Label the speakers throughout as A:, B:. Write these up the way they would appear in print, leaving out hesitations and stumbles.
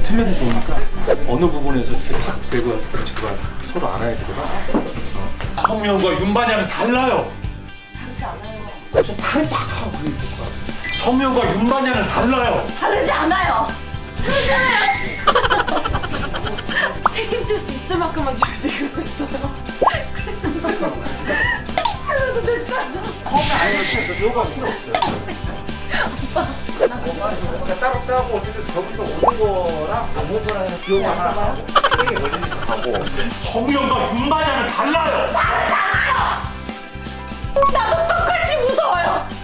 A: 틀려도 좋으니까 어느 부분에서 이렇게 탁 대고 제발 서로 알아야 되구나. 성우형과 윤반야는 달라요.
B: 다르지 않아요.
A: 그래서 다르지 않아. 성우형과 윤반야는 달라요.
B: 다르지 않아요. 다르지 않아요. 책임질 수 있을 만큼만 주시고 있어요. 싫어도 됐잖아.
A: 요가 필요 없어요. 따로 따고 어쨌든 저기서 오는 거랑 안 오는 거랑 요가 하나 하고 게임이 걸리니까 가고. 성우형과 윤반야는 달라요.
B: 다르잖아요. 나도 똑같이 무서워요.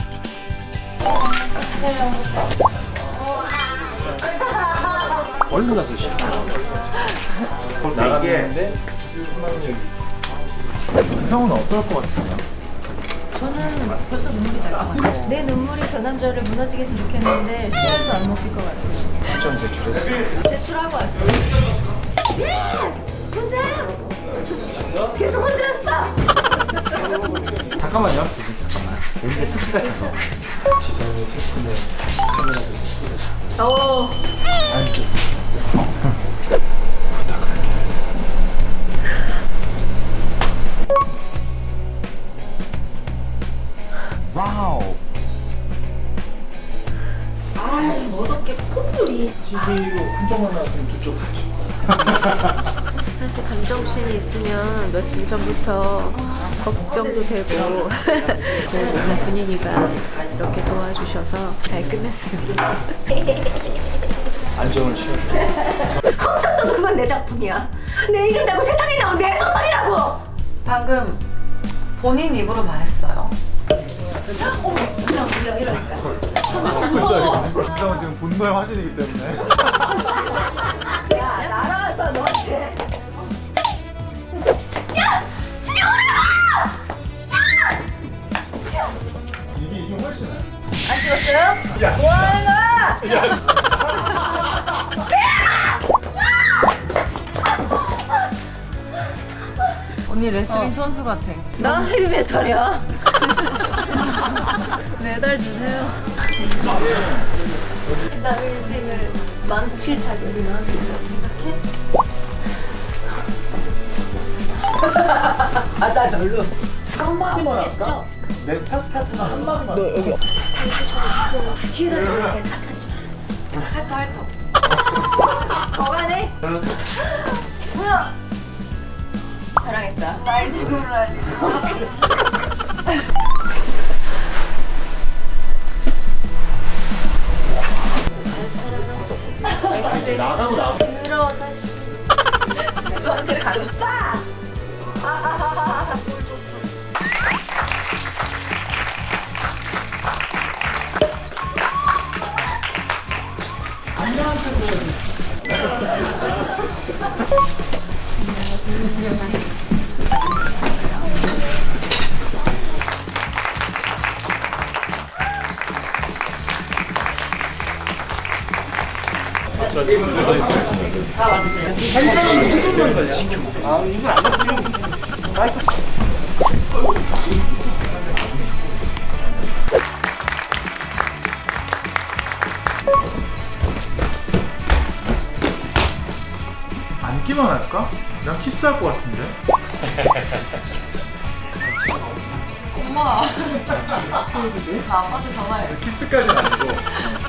A: 얼른 가서 쉬어. 나가는데
C: 성우는 어떨 것 같아요?
D: 저는 벌써 눈물이 날 것 같아요. 내 눈물이 저 남자를 무너지게 했으면 좋겠는데 씨알도 안 먹힐 것 같아요.
A: 추천 제출했어요.
D: 제출하고 왔어요. 혼자? 계속 혼자였어?
C: 잠깐만요.
A: 여기가 습기가 있어. 지성이 슬픈데 카메라도
D: 어.
A: 안쪽 부탁할게.
C: 와우.
D: 아이 멋없게 콧물이.
A: TV로 한쪽만 나왔으면 두쪽 다 줘.
D: 사실 감정신이 있으면 며칠 전부터 걱정도 되고 그래도 분인이가 이렇게 도와주셔서 잘 끝냈습니다.
A: 안정을 취해.
D: 훔쳤어도 그건 내 작품이야. 내 이름 달고 세상에 나온 내 소설이라고.
B: 방금 본인 입으로 말했어요.
D: 이러니까.
C: 이상은 지금 분노의 화신이기 때문에.
D: 야 날아갔다 너한테. 야 지우라고!
C: 이게 훨씬 나아.
D: 안 찍었어요? 뭐 하는 거야?
B: 언니 레슬링 선수 같아.
D: 나 헤비메탈이야. 메달 주세요. 남의 인생을 망칠 자격이 나한테 있다고 생각해? 맞아 절로.
A: 한마디만 할까? 내 탓하지만 한마디만. 너 여기.
D: 탓하지 마. 기다려. 탓하지 마.
B: 핥어.
D: 더 가네?
B: 뭐야?
D: 사랑했다.
B: 나의 죽음을 알리.
A: 나가고 나.
D: 부러워서 그렇게 가겠다.
C: 안기만 할까? 난 키스할 것 같은데.
B: 엄마. 나 아빠한테 전화해.
C: 키스까지는 아니고.